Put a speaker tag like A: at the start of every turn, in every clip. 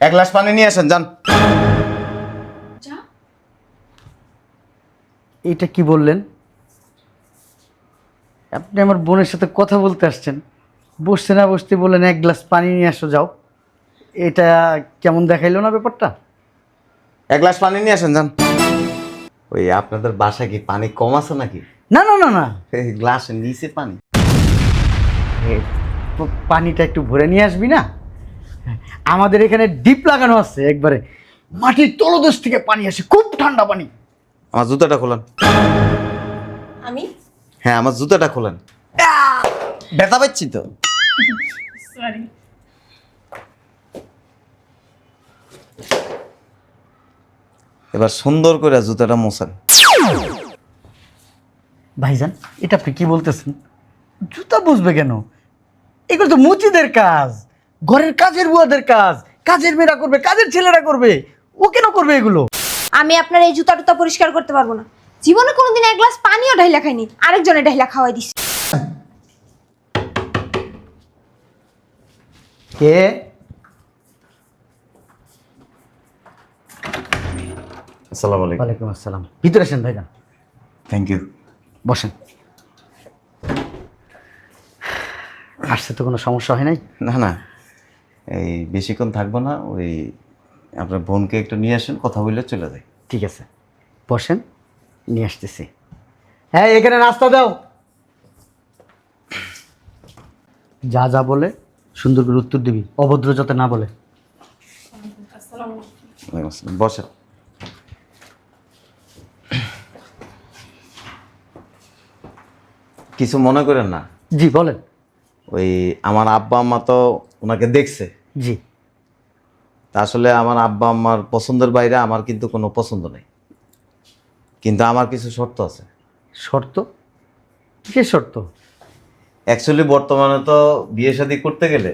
A: এক গ্লাস পানি নিয়ে আসেন যান।
B: এটা কি বললেন? আপনি আমার বোনের সাথে কথা বলতে আসছেন, বসতে না বসতে বললেন এক গ্লাস পানি নিয়ে আসো যাও। এটা কেমন দেখাইলো না ব্যাপারটা?
A: এক গ্লাস পানি নিয়ে আসেন যান। ওই আপনাদের বাসায় কি পানি কম আছে নাকি?
B: না না না না,
A: গ্লাসের নিচে পানি।
B: পানিটা একটু ভরে নিয়ে আসবি না? আমাদের এখানে ডিপ লাগানো আছে, একবারে মাটির তলদেশ থেকে পানি আসে, খুব ঠান্ডা পানি।
A: আমার জুতাটা খোলেন।
C: আমি
A: হ্যাঁ, আমার জুতাটা খোলেন। ব্যথা পাচ্ছি তো।
C: সরি।
A: এবার সুন্দর করে জুতাটা মোছেন।
B: ভাইজান, এটা আপনি কি বলতেছেন? জুতা বুঝবে কেন? এগুলো তো মুচিদের কাজ, ঘরের কাজের বুয়াদের কাজ। কাজের মেয়েরা করবে, কাজের ছেলেরা করবে, ও কেন করবে এগুলো?
C: আমি আপনার এই জুতা টুতা পরিষ্কার করতে পারবো না। জীবনে কোনোদিন এক গ্লাস পানিও ঢাইলা খাইনি, আরেকজনে ঢাইলা খাওয়াই দিছি।
B: কে?
A: আসসালামু আলাইকুম।
B: ওয়ালাইকুম আসসালাম। ভিতরে আসেন ভাইজান,
A: থ্যাংক ইউ।
B: বসেন। আসছে তো কোনো সমস্যা হয় নাই?
A: না না, এই বেশিক্ষণ থাকবো না। ওই আপনার বোনকে একটু নিয়ে আসেন, কথা বললে চলে যাই।
B: ঠিক আছে, বসেন, নিয়ে আসতেছি। হ্যাঁ, এখানে নাস্তা দাও। যা যা বলে সুন্দর করে উত্তর দিবি, অভদ্র যাতে না বলে।
A: ওয়ালাইকুম আসসালাম। বসেন। কিছু মনে করেন না।
B: জি বলেন।
A: ওই আমার আব্বা আম্মা তো ওনাকে দেখছে।
B: জি।
A: তা আসলে আমার আব্বা আম্মার পছন্দের বাইরে আমার কিন্তু কোনো পছন্দ নেই, কিন্তু আমার কিছু শর্ত আছে।
B: শর্ত? কিসের শর্ত?
A: অ্যাকচুয়ালি বর্তমানে তো বিয়ে শাদী করতে গেলে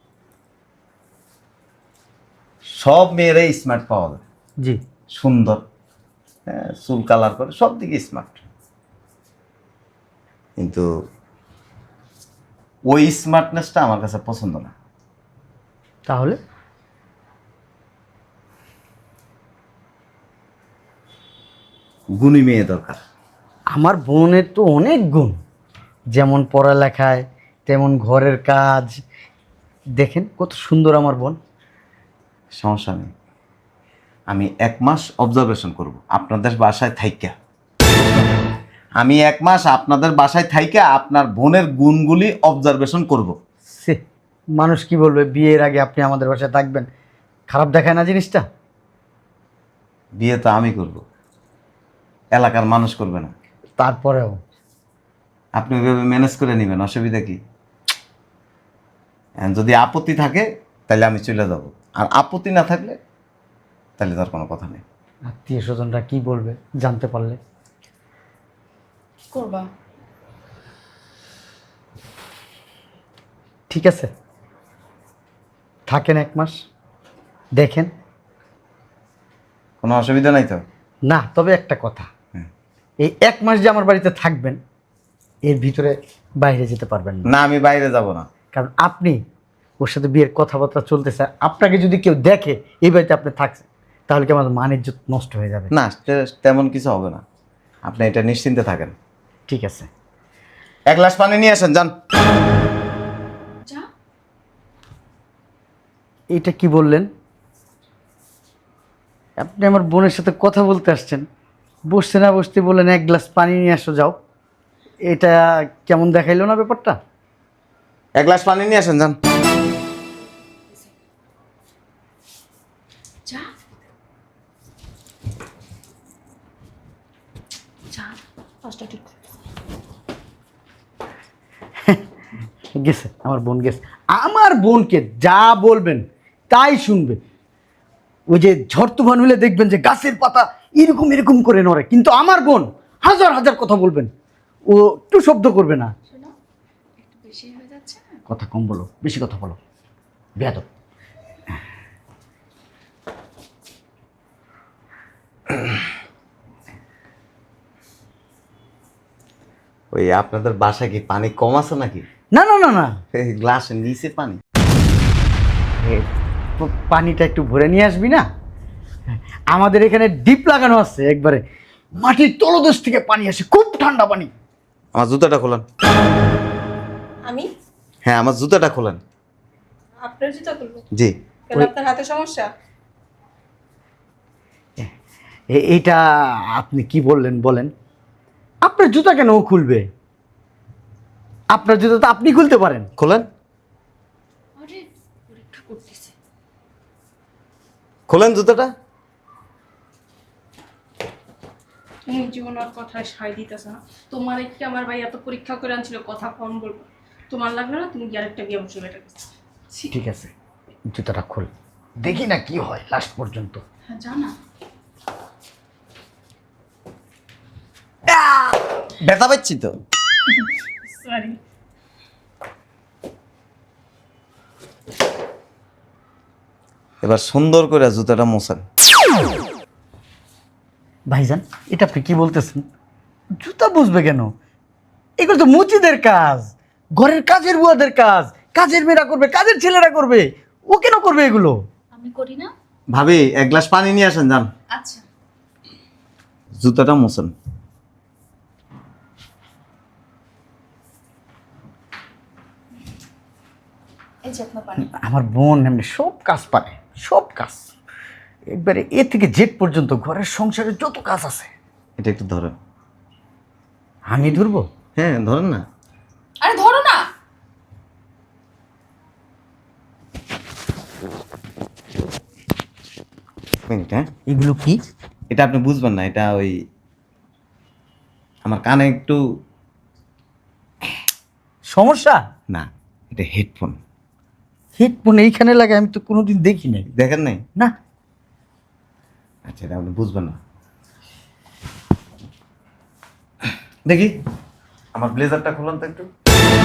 A: সব মেয়েরাই স্মার্ট পাওয়া যায়,
B: জি।
A: সুন্দর, হ্যাঁ, চুল কালার করে সব দিকে স্মার্ট। কিন্তু ওই স্মার্টনেসটা আমার কাছে পছন্দ না।
B: তাহলে?
A: গুণী মেয়ে দরকার।
B: আমার বোনের তো অনেক গুণ, যেমন পড়ালেখায় তেমন ঘরের কাজ। দেখেন কত সুন্দর আমার বোন।
A: সমস্যা নেই, আমি 1 মাস অবজারভেশন করব আপনাদের বাসায় থাইকা। আমি 1 মাস আপনাদের বাসায় থাইকা আপনার বোনের গুণগুলি অবজারভেশন করব।
B: সে মানুষ কি বলবে, বিয়ের আগে আপনি আমাদের বাসায় থাকবেন? খারাপ দেখায় না জিনিসটা?
A: বিয়ে তো আমি করব, এলাকার মানুষ করবে না।
B: তারপরেও
A: আপনি ওইভাবে ম্যানেজ করে নেবেন, অসুবিধা কি? যদি আপত্তি থাকে তাহলে আমি চলে যাব, আর আপত্তি না থাকলে তাহলে তার কোনো কথা নেই।
B: আত্মীয় স্বজনরা কি বলবে জানতে পারলে?
C: করবা?
B: ঠিক আছে, থাকেন 1 মাস, দেখেন।
A: কোনো অসুবিধা নাই তো?
B: না, তবে একটা কথা,
A: হুম।
B: এই 1 মাস যে আমার বাড়িতে থাকবেন, এর ভিতরে বাইরে যেতে পারবেন না।
A: না, আমি বাইরে যাব না।
B: কারণ আপনি ওর সাথে বিয়ের কথাবার্তা চলতেছে, আপনাকে যদি কেউ দেখে এই বাড়িতে আপনি থাকছেন, তাহলে কি আমাদের মান ইজ্জত নষ্ট হয়ে যাবে।
A: না, তেমন কিছু হবে না, আপনি এটা নিশ্চিন্তে থাকেন।
B: ঠিক আছে।
A: এক গ্লাস পানি নিয়ে আসেন যান।
B: এটা কি বললেন? আপনি আমার বোনের সাথে কথা বলতে আসছেন, বসতে না বসতে বললেন এক গ্লাস পানি নিয়ে আসো যাও। এটা কেমন দেখাইলো না ব্যাপারটা?
A: এক গ্লাস পানি নিয়ে আসেন যান।
B: গেছে আমার বোন, গেছে। আমার বোনকে যা বলবেন তাই শুনবে। ওই যে ঝড় তুফান হলে দেখবেন যে গাছের পাতা এরকম এরকম করে নড়ে, কিন্তু আমার বোন হাজার হাজার কথা বলবেন, ও একটু শব্দ করবে না।
C: একটু বেশি হয়ে যাচ্ছে না?
B: কথা কম বলো, বেশি কথা বলো, বেয়াদব।
A: ওই আপনাদের বাসায় কি পানি কম আছে নাকি?
B: না না না না,
A: গ্লাসের নিচে পানি।
B: পানিটা একটু ভরে নিয়ে আসবি না? আমাদের এখানে ডিপ লাগানো আছে, একবারে মাটির তলদেশ থেকে পানি আসে, খুব ঠান্ডা পানি।
A: আমার জুতাটা খোলেন।
D: আমি
A: হ্যাঁ, আমার জুতাটা খোলেন।
D: আপনার জুতা খুলবো
A: জি।
D: কেন? আপনার হাতে সমস্যা?
B: এইটা আপনি কি বললেন বলেন? আপনার জুতা কেন ও খুলবে? আপনার জুতা তো আপনি খুলতে পারেন।
A: খোলেন,
D: আরে পরীক্ষা করতেছে।
A: খোলেন জুতাটা।
D: তুমি জীবন আর কথায় সায় দিতেছ না। তোমার কি আমার ভাই এত পরীক্ষা করে আনছিল, কথা কম বলবো। তোমার লাগলো না, তুমি কি আরেকটা বিয়ে বসে বেটার কাছে।
B: ঠিক আছে, জুতাটা খোল, দেখি না কি হয় লাস্ট পর্যন্ত।
D: হ্যাঁ জানা।
A: ব্যথা পাচ্ছি তো।
D: সরি।
A: এবার সুন্দর করে জুতাটা মোছেন।
B: ভাইজান, এটা আপনি কি বলতেছেন? জুতা বুঝবে কেন? এগুলো তো মুচিদের কাজ, ঘরের কাজের বুয়াদের কাজ। কাজের মেয়েরা করবে, কাজের ছেলেরা করবে, ও কেন করবে এগুলো?
D: আমি করি না।
A: ভাবি, এক গ্লাস পানি নিয়ে আসেন, যান।
D: আচ্ছা।
A: জুতাটা মোছেন।
D: এই যে আপনার পানি।
B: আমার বোন এমনি সব কাজ পারে, সব কাজ, একবারে এ থেকে জেড পর্যন্ত ঘরের সংসারে যত কাজ আছে।
A: এটা একটু ধরেন।
B: আমি ধরবো?
A: হ্যাঁ, ধরেন না।
D: আরে ধরো না।
A: মিনিট, হ্যাঁ।
B: এগুলো কি?
A: এটা আপনি বুঝবেন না, এটা ওই আমার কানে একটু
B: সমস্যা?
A: না, এটা হেডফোন।
B: হেডফোন এইখানে লাগে? আমি তো কোনোদিন দেখি নাই।
A: দেখেন নাই?
B: না।
A: আচ্ছা, এটা আপনি বুঝবেন না। দেখি আমার ব্লেজারটা খুলুন তো একটু।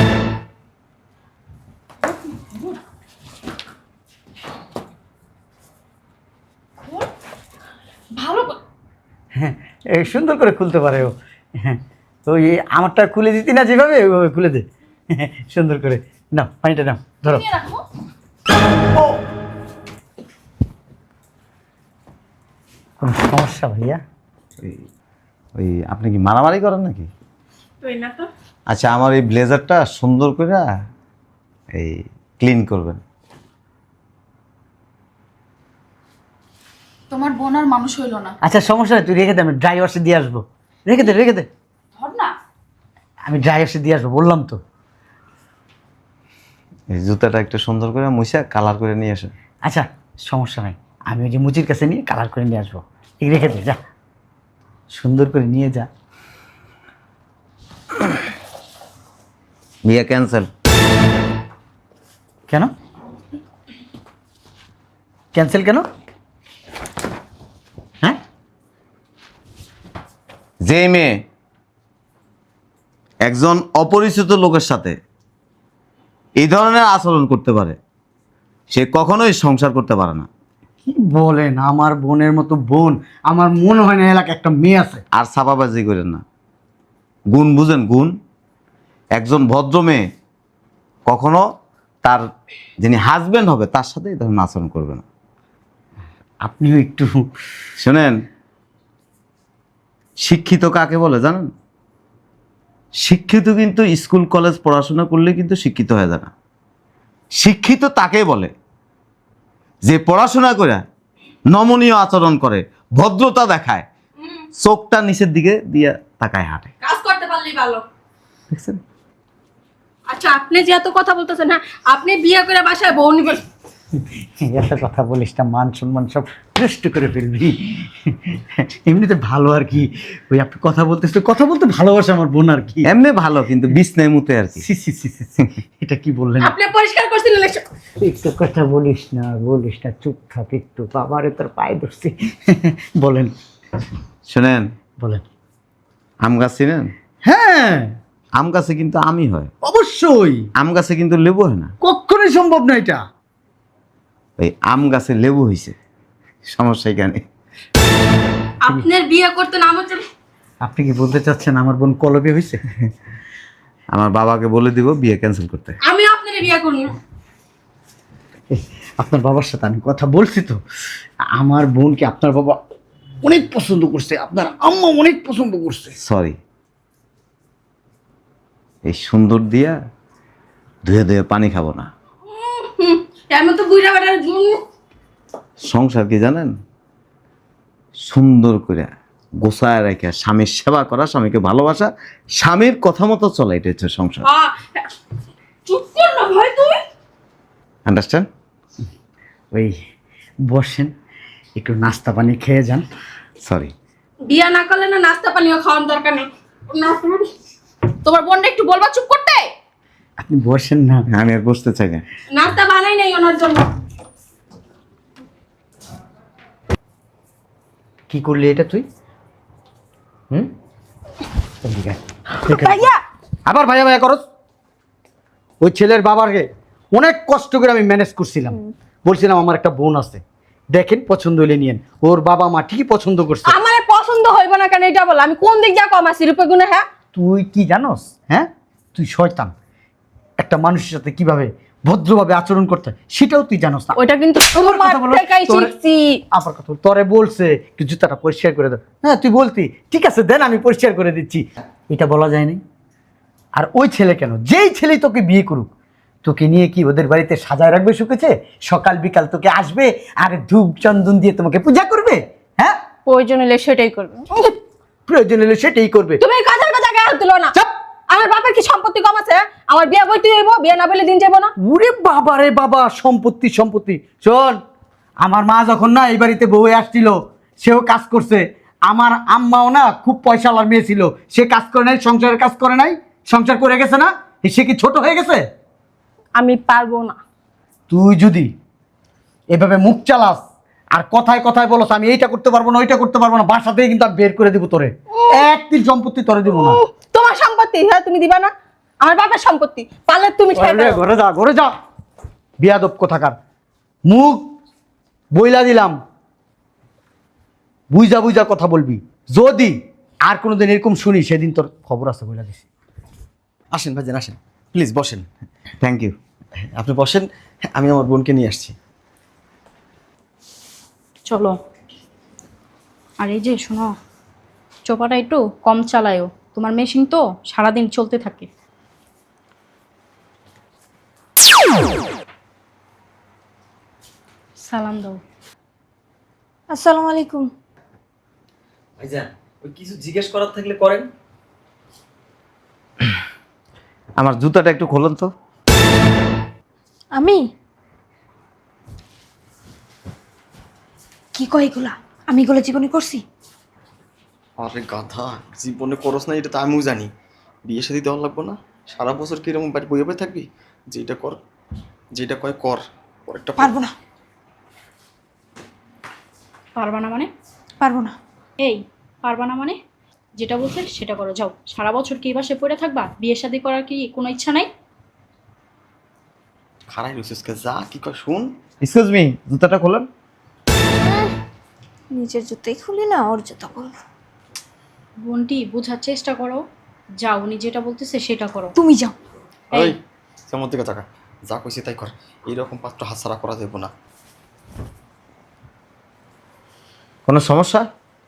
D: ভালো করে-
B: হ্যাঁ, এই সুন্দর করে খুলতে পারে ও। হ্যাঁ, তো এই আমারটা খুলে দিতি না যেভাবে, ওইভাবে খুলে দে। হ্যাঁ, সুন্দর করে নাও, পানিটা নাও, ধরো।
D: নিয়ে রাখো।
B: কোনো সমস্যা ভাইয়া?
A: ওই ওই আপনি কি মারামারি করেন নাকি?
D: তুই না তো।
A: আচ্ছা, আমার এই ব্লেজারটা সুন্দর করে এই ক্লিন করবেন।
D: তোমার বোন আর মানুষ হইলো না।
B: আচ্ছা, সমস্যা নেই, তুই রেখে দে, আমি ড্রাই ওয়াশে দিয়ে আসবো। রেখে দে, রেখে দে,
D: ধর না।
B: আমি ড্রাই ওয়াশে দিয়ে আসবো, বললাম তো।
A: এই জুতাটা একটু সুন্দর করে মুছে কালার করে নিয়ে আসেন।
B: আচ্ছা, সমস্যা নাই, আমি ওই যে মুচির কাছে নিয়ে কালার করে নিয়ে আসবো। ঠিক, রেখে দে, যা, সুন্দর করে নিয়ে যা।
A: বিয়ে ক্যান্সেল।
B: কেন ক্যান্সেল? কেন? হ্যাঁ,
A: যে মেয়ে একজন অপরিচিত লোকের সাথে এই ধরনের আচরণ করতে পারে, সে কখনোই সংসার করতে পারে না।
B: কি বলেন? আমার বোনের মতো বোন আমার মনে হয় না এলাকা একটা মেয়ে আছে।
A: আর ছাপাবাজি করেন না, গুণ বুঝেন, গুণ। একজন ভদ্র মেয়ে কখনো তার যিনি হাজবেন্ড হবে তার সাথে এই ধরনের আচরণ করবে না।
B: আপনিও একটু
A: শোনেন, শিক্ষিত কাকে বলে জানেন? শিক্ষিত কিন্তু স্কুল কলেজ পড়াশোনা করলে কিন্তু শিক্ষিত হয়ে যায় না। শিক্ষিত তাকে বলে যে পড়াশোনা করে নমনীয় আচরণ করে, ভদ্রতা দেখায়, চোখটা নিচের দিকে দিয়ে তাকায় হাঁটে।
D: কাজ করতে পারলেই ভালো।
A: দেখছেন?
D: আচ্ছা, আপনি যে এত কথা বলতেছেন না, আপনি বিয়ে করে বাসায় বউ নিবেন।
B: একটা কথা বলিস না, মান সম্মান সব নষ্ট করে ফেলবি। এমনিতে ভালো আর কি, ওই আপনি কথা বলতেছে, কথা বলতে ভালোবাসে আমার বোন আর কি।
A: এমনি ভালো, কিন্তু বিছনায় মুতে আর কি।
B: সি, সি, সি, সি, সি। এটা কি বললেন?
D: আপনি পরিষ্কার করছিলেন এসব।
B: একটু কথা বলিস না, বলিস না, চুপ থাক একটু, বাবারে তোর পায়ে ধরছি। বলেন,
A: শোনেন,
B: বলেন।
A: আম গাছ চিনেন?
B: হ্যাঁ,
A: আম গাছে কিন্তু আমই হয়,
B: অবশ্যই,
A: আম গাছে কিন্তু লেবু হয় না।
B: কখনোই সম্ভব না এটা।
A: ওই আম গাছে লেবু হয়েছে, সমস্যা এখানে।
D: আপনার বিয়ে করতে না আমার জন্য।
B: আপনি কি বলতে চাচ্ছেন আমার বোন কলবে হয়েছে?
A: আমার বাবাকে বলে দিব বিয়ে ক্যান্সেল করতে।
D: আমি আপনার বিয়ে করব না।
B: আপনার বাবার সাথে আমি কথা বলছি তো, আমার বোনকে আপনার বাবা অনেক পছন্দ করছে, আপনার আম্মা অনেক পছন্দ করছে।
A: সরি, এই সুন্দর দিয়া ধুয়ে ধুয়ে পানি খাবো না।
D: এর মতো বুইড়া বেটার
A: সংসার কি জানেন, সুন্দর করে গোছায় রেখে স্বামীর সেবা করা, স্বামীকে ভালোবাসা, স্বামীর কথা মতো চলা, এটা হচ্ছে সংসার।
D: চুপ কর না ভাই তুই।
A: আন্ডারস্ট্যান্ড?
B: ওই বসেন, একটু নাস্তা পানি খেয়ে যান।
A: সরি।
D: বিয়া না করলে না নাস্তা পানিও খাওয়ার দরকার নেই। তোমার বোনটা একটু বলবা চুপ করতে।
B: আপনি বসেন না।
A: আমি আর বসতে চাই না।
D: নাস্তা বানাই নাই ওনার জন্য।
B: কি করলি এটা তুই? হুম, এদিকে আয়।
C: ভাইয়া
B: আবার ভাইয়া ভাইয়া করস? ওই ছেলের বাবাকে অনেক কষ্ট করে আমি ম্যানেজ করছিলাম, বলছিলাম আমার একটা বোন আছে, দেখেন পছন্দ হলে নিয়েন। ওর বাবা মা ঠিকই পছন্দ করছে।
D: আমার পছন্দ হইব না কেন এটা বল, আমি কোন দিক যা কম আছি রূপে গুণে? হ্যাঁ
B: তুই কি জানোস? হ্যাঁ, তুই শয়তান। একটা মানুষের সাথে কিভাবে ভদ্রভাবে আচরণ করতে হয় সেটাও তুই জানোস না।
D: ওইটা কিন্তু
B: আমার কথা বলো,
D: থেকেই
B: তোরে-
D: শিখছি।
B: আবার কথা বল, তোরে বলছে একটু জুতাটা পরিষ্কার করে দাও। হ্যাঁ তুই বলতি ঠিক আছে দেন আমি পরিষ্কার করে দিচ্ছি, এটা বলা যায়নি। আর ওই ছেলে কেন, যেই ছেলে তোকে বিয়ে করুক, তোকে নিয়ে কি ওদের বাড়িতে সাজায় রাখবে শুকেছে? সকাল বিকাল তোকে আসবে আর ধূপ চন্দন দিয়ে তোমাকে পূজা করবে। হ্যাঁ,
D: প্রয়োজন হলে সেটাই করবে।
B: প্রয়োজন হলে সেটাই করবে।
D: তুমি এই কাজের কথা গায়ে হাত দিলো না।
B: চাপ।
D: আমার বাপের কি সম্পত্তি কম আছে? আমার বিয়ে বইতে হইব, বিয়ে না বলে দিন যাবো না।
B: ওরে বাবা রে বাবা, সম্পত্তি সম্পত্তি। শোন, আমার মা যখন না এই বাড়িতে বউ হয়ে আসছিল, সেও কাজ করছে। আমার আম্মাও না খুব পয়সাওয়ালার মেয়ে ছিল, সে কাজ করে নাই, সংসারের কাজ করে নাই, সংসার করে গেছে না? সে কি ছোট হয়ে গেছে?
D: আমি পারবো না।
B: তুই যদি এভাবে মুখ চালাস আর কথায় কথায় বলস আমি এইটা করতে পারবো না, ওইটা করতে পারবো না, বাসা থেকে কিন্তু আমি বের করে দিব তোরে। এক তিল সম্পত্তি তোরে দিব না।
D: তোমার সম্পত্তি, হ্যাঁ তুমি দিবা না? আমার বাপের সম্পত্তি পারলে তুমি ছেড়ে
B: ঘরে
D: দাও।
B: ঘরে যা, ঘরে যা, বিয়াদব কোথাকার। মুখ বইলা দিলাম, বুঝা বুঝা কথা বলবি। যদি আর কোনোদিন এরকম শুনি, সেদিন তোর খবর আছে বইলা দিছি।
E: আসেন ভাইজান, আসেন প্লিজ বসেন।
A: Thank you.
E: আপনি বসেন, আমি আমার বোনকে নিয়ে আসছি।
F: চলো। আর এই যে শোনো, চোপাটা একটু কম চালায়ও, তোমার মেশিন তো সারাদিন চলতে থাকে। সালাম দাও।
C: আসসালামু আলাইকুম।
E: ভাইজান, ওই কিছু জিজ্ঞেস করার থাকলে করেন।
A: আমার জুতাটা একটু খোলুন তো।
C: আমি কি কই এগুলা? আমি এগুলো জীবনে করছি?
E: আরে গাধা, জীবনে করস না এটা তো আমিও জানি। বিয়ে শাদী দেওয়া লাগবো না, সারা বছর কি এরকম বাড়ি বইয়ে বয়ে থাকবি? যেটা কর, যেটা কয় কর, পরেরটা
C: পারবো না,
F: পারবা না মানে?
C: পারবো না।
F: এই পারবা না মানে? যেটা বলছে সেটা করো, যাও। সারা বছর কি বাসে পড়ে থাকবা? বিয়ে শাদী করার কি কোনো ইচ্ছা নাই?
E: খারাই রসিসকে যা কি কয় শুন।
A: এক্সকিউজ মি, জুতাটা খোলেন।
C: নিজের জুতোই খুলি না, ওর জুতো খুলবো।
F: বোনটি বোঝার চেষ্টা করো, যাও। উনি যেটা বলতেছে সেটা করো।
C: তুমি যাও।
E: ওই যেমন দিকে টাকা যা কইছি তাই কর, এইরকম পাত্র হাতছাড়া করা যাবো না।
A: কোনো সমস্যা?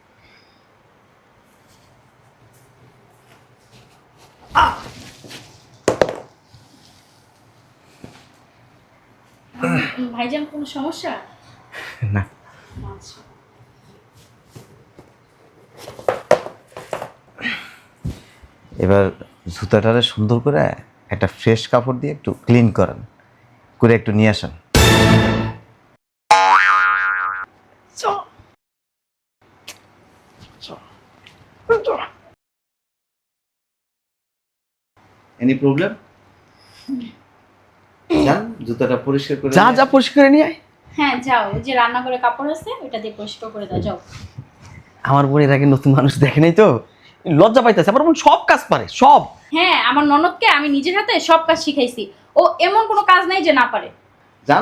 F: ভাইজান কোনো সমস্যা?
A: না।
F: আচ্ছা।
A: এবার জুতাটারে সুন্দর করে একটা ফ্রেশ কাপড় দিয়ে একটু ক্লিন করেন, করে একটু নিয়ে আসেন। Any problem? যান, জুতাটা পরিষ্কার করে
E: যা যা পরিষ্কার করে নিয়ে আয়।
F: হ্যাঁ যাও, ওই যে রান্না করে কাপড় আছে ওইটা দিয়ে পরিষ্কার করে দাও, যাও।
E: আমার বোন এর আগে নতুন মানুষ দেখে নাই তো, লজ্জা পাইতেছে। আমার বোন সব কাজ পারে, সব।
F: হ্যাঁ, আমার ননদকে আমি নিজের হাতে সব কাজ শিখাইছি, ও এমন কোনো কাজ নাই যে না পারে।
A: যান।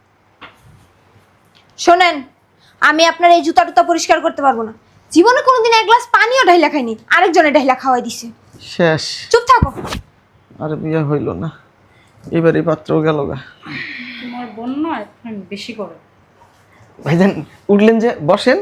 C: শোনেন, আমি আপনার এই জুতা টুতা পরিষ্কার করতে পারবো না। জীবনে কোনোদিন এক গ্লাস পানিও ঢাইলা খাইনি, আরেকজনে ঢাইলা খাওয়াই দিছে।
E: শেষ।
C: চুপ থাকো।
E: আর বিয়ে হইল না, এবার এই পাত্র গেল গা।
F: তোমার বোন নয় আমি বেশি করে।
E: ভাইজান উঠলেন যে, বসেন।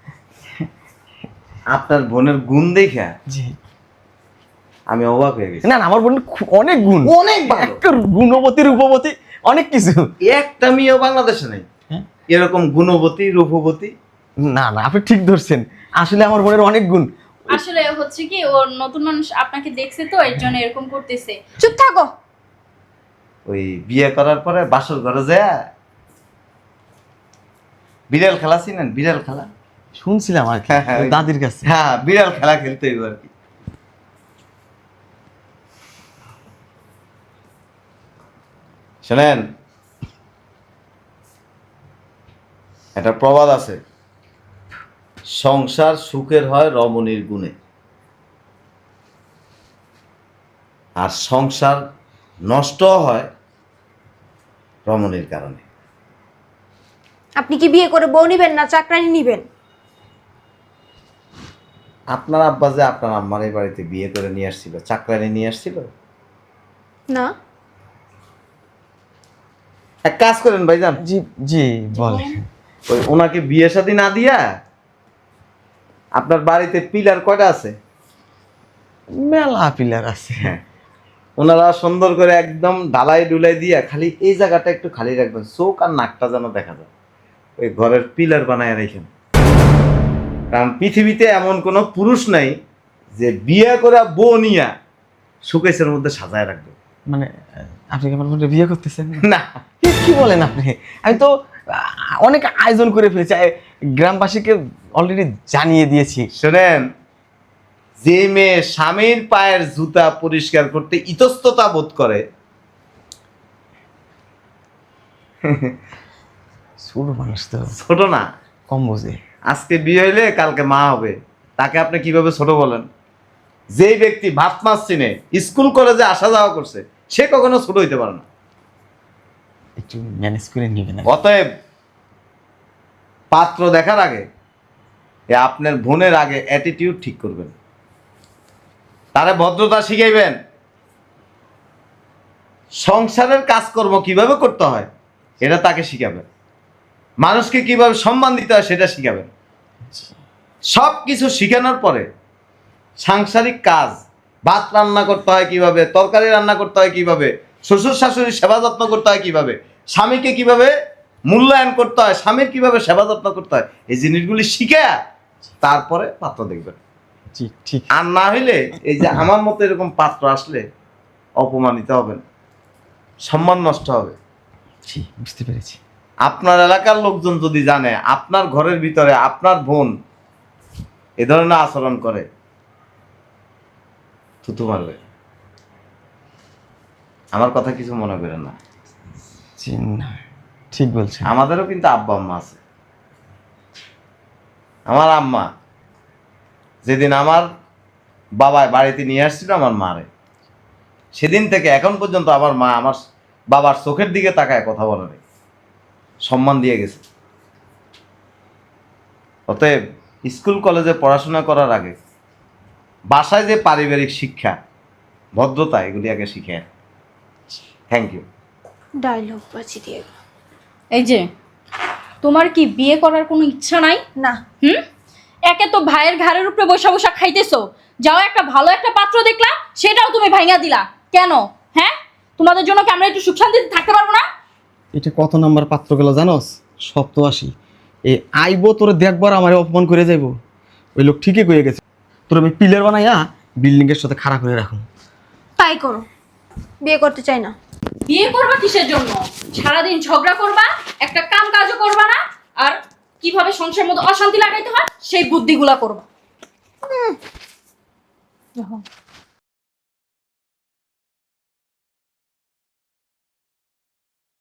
A: আপনার বোনের গুণ দেখা
E: জি।
A: আমি অবাক হয়ে গেছি।
E: না না, আমার বোন অনেক গুণ,
A: অনেক ভালো।
E: একটা গুণবতী রূপবতী অনেক কিছু।
A: একটা মেয়েও বাংলাদেশে নেই
E: হ্যাঁ?
A: এরকম গুণবতী রূপবতী।
E: না না, আপনি ঠিক ধরছেন, আসলে আমার বোনের অনেক গুণ।
F: আসলে হচ্ছে কি ওর নতুন মানুষ আপনাকে দেখছে তো এর জন্য এরকম করতেছে।
C: চুপ থাকো।
A: ওই বিয়ে করার পরে বাসর ঘরে যায় বিড়াল খেলা চিনেন? বিড়াল খেলা,
E: শুনছিলাম আর কি
A: হ্যাঁ, হ্যাঁ, ওই-
E: দাদির কাছে।
A: হ্যাঁ বিড়াল খেলা খেলতে হইব আর কি। শোনেন, একটা প্রবাদ আছে, সংসার সুখের হয় রমণীর গুণে, আর সংসার নষ্ট হয় রমণীর কারণে।
C: আপনি কি বিয়ে করে বউ নিবেন না চাকরানি নিবেন?
A: আপনার আব্বা যে আপনার আম্মার এই বাড়িতে বিয়ে করে নিয়ে আসছিল, চাকরানি নিয়ে আসছিল?
C: না।
A: এক কাজ করেন ভাইজান,
E: জি জি, বলে।
A: ওই ওনাকে বিয়ে শাদী না দিয়া আপনার বাড়িতে পিলার কয়টা আছে?
E: মেলা পিলার আছে।
A: হ্যাঁ, ওনারা সুন্দর করে একদম ঢালাই ডুলাই দিয়া খালি এই জায়গাটা একটু খালি রাখবেন, চোখ আর নাকটা যেন দেখা যায়, ওই ঘরের পিলার বানায় রেখেন। কারণ পৃথিবীতে এমন কোনো পুরুষ নাই যে বিয়ে করে বউ নিয়া সুকেশের মধ্যে সাজায় রাখবে।
E: মানে আপনি কি আমার বোনকে বিয়ে করতেছেন?
A: না,
E: কি বলেন আপনি? আমি তো অনেক আয়োজন করে ফেলেছি, গ্রামবাসীকে অলরেডি জানিয়ে দিয়েছি।
A: শোনেন, যে মেয়ে স্বামীর পায়ের জুতা পরিষ্কার করতে ইতস্ততা বোধ করে,
E: ছোট মানুষ তো,
A: ছোট না,
E: কম বোঝে।
A: আজকে বিয়ে হইলে কালকে মা হবে, তাকে আপনি কিভাবে ছোট বলেন? যেই ব্যক্তি ভাত মাছ চিনে, স্কুল কলেজে আসা যাওয়া করছে, সে কখনো ছোট হইতে পারে না।
E: একটু ম্যানেজ করে নেবেন।
A: অতএব পাত্র দেখার আগে আপনার বোনের আগে অ্যাটিটিউড ঠিক করবেন, তারে ভদ্রতা শিখাইবেন, সংসারের কাজকর্ম কিভাবে করতে হয় এটা তাকে শিখাবেন, মানুষকে কিভাবে সম্মান দিতে হয় সেটা শিখাবেন। সব কিছু শিখানোর পরে সাংসারিক কাজ, ভাত রান্না করতে হয় কিভাবে, তরকারি রান্না করতে হয় কিভাবে, শ্বশুর শাশুড়ির সেবা যত্ন করতে হয় কিভাবে, স্বামীকে কিভাবে মূল্যায়ন করতে হয়, স্বামীর কিভাবে সেবা যত্ন করতে হয়, এই জিনিসগুলি শিখে তারপরে পাত্র দেখবেন।
E: জি ঠিক।
A: আর না হইলে এই যে আমার মতো এরকম পাত্র আসলে অপমানিত হবেন, সম্মান নষ্ট হবে।
E: জি, বুঝতে পেরেছি।
A: আপনার এলাকার লোকজন যদি জানে আপনার ঘরের ভিতরে আপনার বোন এ ধরনের আচরণ করে, থুতু মারবে। আমার কথা কিছু মনে করেন না।
E: জি না, ঠিক বলছেন।
A: আমাদেরও কিন্তু আব্বা আম্মা আছে। আমার আম্মা যেদিন আমার বাবায় বাড়িতে নিয়ে আসছিল আমার মারে, সেদিন থেকে এখন পর্যন্ত আমার মা আমার বাবার চোখের দিকে তাকায় কথা বলে নাই, সম্মান দিয়ে গেছে। অতএব স্কুল কলেজে পড়াশোনা করার আগে বাসায় যে পারিবারিক শিক্ষা, ভদ্রতা, এগুলি আগে শিখে। Thank you.
C: ডায়লগ বাজি দিয়ে।
F: এই যে তোমার কি বিয়ে করার কোনো ইচ্ছা নাই?
C: না।
F: একে তো ভাইয়ের ঘাড়ের উপরে বসা বসা খাইতেছো, যাও একটা ভালো একটা পাত্র দেখলা সেটাও তুমি ভাঙা দিলা কেন? হ্যাঁ, তোমাদের জন্য কি আমরা একটু সুখ শান্তিতে থাকতে পারবো না?
E: এটা কত নাম্বার পাত্র গেল জানোস? 87। এই আইবো তোরে দেখবার আমারে অপমান করে যাইবো। ওই লোক ঠিকই কয়ে গেছে, তোর আমি পিলার বানাইয়া বিল্ডিং এর সাথে খাড়া করে রাখুন।
C: তাই করো, বিয়ে করতে চাই না।
F: বিয়ে করবা কিসের জন্য? সারাদিন ঝগড়া করবা, একটা কাম কাজও করবা না, আর কিভাবে সংসারের মধ্যে অশান্তি লাগাইতে হয় সেই বুদ্ধিগুলা করবা।